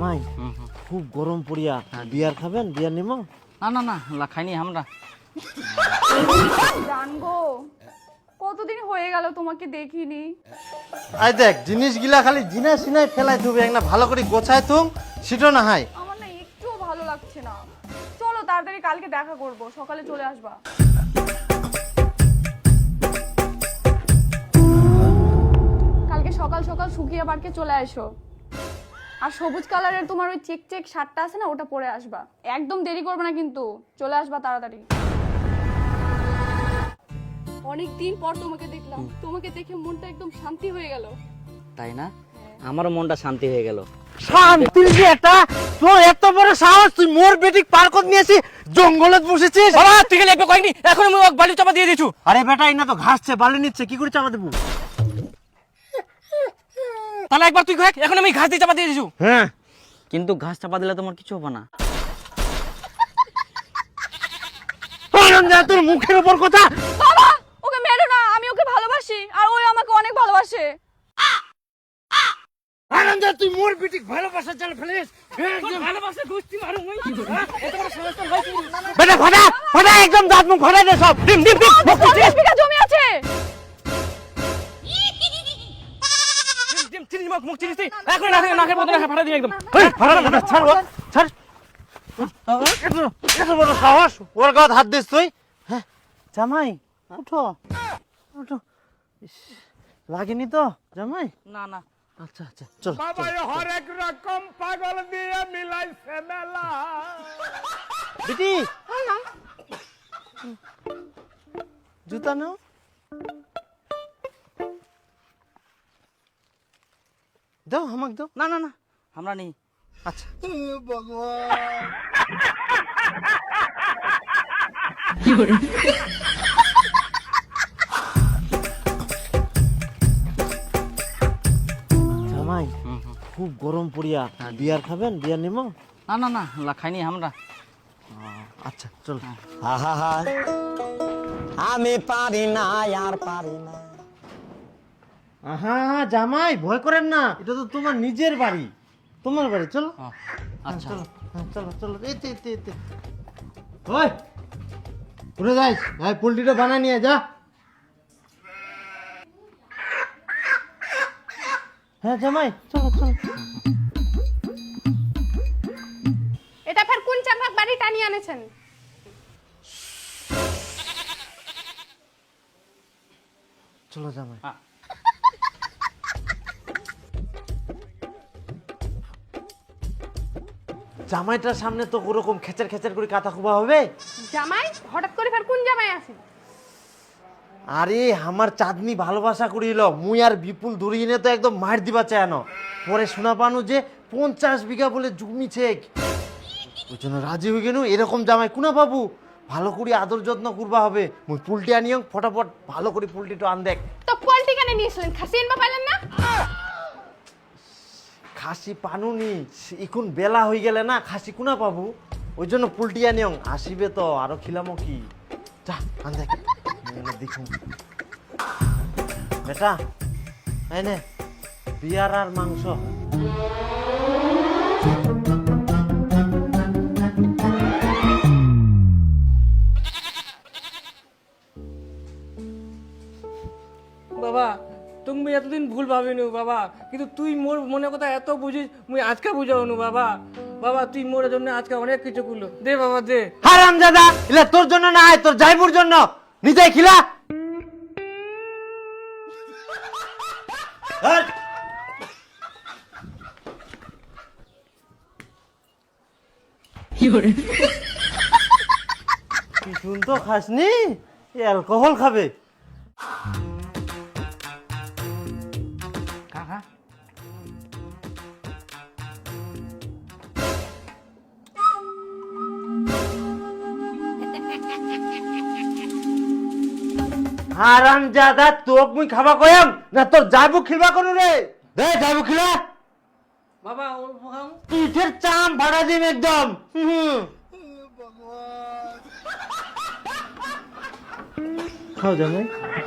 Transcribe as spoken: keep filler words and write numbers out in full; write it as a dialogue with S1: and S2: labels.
S1: জামাই খুব গরম পড়িয়া বিয়ার খাবেন? বিয়ার নিমো?
S2: না না না লা খাইনি আমরা।
S3: জানগো কতদিন হয়ে গেল তোমাকে দেখিনি।
S1: আই দেখ জিনিসগুলা খালি জিনা সিনাই ফেলাই থুবে, একটা ভালো করে গোছায় তুম সেটা না হয়।
S3: আমার না একটুও ভালো লাগছে না। চলো তাড়াতাড়ি কালকে দেখা করব, সকালে চলে আসবা। কালকে সকাল সকাল শুকিয়ে পার্কে চলে আসো। আর সবুজ কালারের তোমার ওই চেক চেক শার্টটা আছে না, ওটা পরে আসবা। একদম দেরি করবে না কিন্তু, চলে আসবা তাড়াতাড়ি। অনেক দিন পর তোমাকে দেখলাম, তোমাকে দেখে মনটা একদম শান্তি হয়ে গেল।
S2: তাই না? আমারও মনটা শান্তি হয়ে গেল।
S1: শান্তির যে একটা, তোর এত বড় সাহস, তুই মোর বেটিক পার্কত নিয়েছি, জঙ্গলত বসেছিস।
S2: বাবা তুই গেলে একবার কয়েকনি, এখন আমি ওকে বালি চাপা দিয়ে দিছু।
S1: আরে বেটা ইনা তো ঘাসছে, বালি নিচ্ছে, কি করে চাপা দেবো?
S2: তাহলে একবার তুই কয়েক, এখন আমি ঘাস দিয়ে চাপা দিয়ে দিছু।
S1: হ্যাঁ
S2: কিন্তু ঘাস চাপা দিলে তোমার কিছু হবে না।
S1: তোর মুখের উপর কথা।
S3: বাবা ওকে মেরো না, আমি ওকে ভালোবাসি আর ওই আমাকে অনেক ভালোবাসে।
S1: আনন্দ তুই মোর বেটিক ভালোবাসা চাল ফেলিস।
S2: ভালোবাসা গোষ্ঠী মারু মই। এত বড় সমস্যা হইছে।
S1: বেটা ফাটা ফাটা একদম দাঁত মুখ ফাটাই দে সব। ডিম ডিম ডিম মুখ
S3: চল্লিশ বিঘা জমি আছে।
S2: ডিম চিনি মুখ মুখ চিনিস তুই। এখন না না নাকের মধ্যে ফাটা দিই একদম।
S1: এই ফাটা ফাটা ছাড় ও ছাড়। এত এত বড় সাহস, ওর গায়ে হাত দিস তুই? হ্যাঁ জামাই উঠো উঠো। ইস, লাগেনি তো জামাই?
S2: না না
S1: আচ্ছা আচ্ছা চল।
S4: বাবা হরেক রকম পাগল দিয়ে মিলাইছে মেলা।
S1: বেটি জুতা নাও। দাও আমাকে দাও।
S2: না না না আমরা নেই।
S1: আচ্ছা জামাই খুব গরম পড়িয়া বিয়ার খাবেন? বিয়ার নিমো?
S2: না না না লা খাইনি আমরা।
S1: আচ্ছা চল।
S5: আহা আমি পারি না আর পারি না।
S1: আহা জামাই ভয় করেন না, এটা তো তোমার নিজের বাড়ি, তোমার বাড়ি। চলো
S2: আচ্ছা
S1: চলো হ্যাঁ, চলো চলো এতে এতে এতে। ওই ঘুরে যাইস, ভাই পোল্ট্রিটা বানায় নিয়ে যা। হ্যাঁ জামাই চলো চলো।
S3: এটা ফের কোন চাপাক বাড়ি টানিয়ে আনেছেন?
S1: চলো জামাই।
S2: হ্যাঁ।
S1: জামাইটার সামনে তো ওরকম খেচার খেচার করে কাতা খুবা হবে?
S3: জামাই হঠাৎ করে ফের কোন জামাই আছে?
S1: আরে আমার চাঁদনি ভালোবাসা করিল, মুই আর বিপুল ধরিয়ে তো একদম মার দিবা চায়নো। পরে শোনা পানো যে পঞ্চাশ বিঘা বলে জমি ছেক, ওই জন্য রাজি হয়ে গেল। এরকম জামাই কুনা বাবু, ভালো করে আদর যত্ন করবা হবে। মুই পুলটি আনিও, ফটাফট ভালো করে পুলটিটা আন দেখ।
S3: তো পোল্ট্রি কেন নিয়েছিলেন? খাসি এনবা পাইলেন না?
S1: খাসি পানুনি, এখন বেলা হয়ে গেলে না খাসি কুনা পাবো, ওই জন্য পুলটি আনিও। আসিবে তো আরো খিলামো কি, যা আন দেখ দেখুন। বেটা এই নে বিয়ার আর মাংস।
S6: বাবা তুমি এতদিন ভুল ভাবিনু বাবা, কিন্তু তুই মোর মনে কথা এত বুঝিস, মুই আজকে বুঝাওনু বাবা। বাবা তুই মোর জন্য আজকে অনেক কিছু করলো, দে বাবা দে।
S1: হারাম দাদা, এলা তোর জন্য না, তোর জাইবুর জন্য। নিজে খিলা। কি শুন তো খাসনি, অ্যালকোহল খাবে।
S2: কাকা
S1: হারাম দাদা, তোক মুই খাবা কয়াম না তোর জাইবু খিলবা করু রে? দে জাইবু খিলা।
S6: বাবা ওর খাও।
S1: পিঠের চাম ভাড়া দিম একদম। হুম খাও জামাই।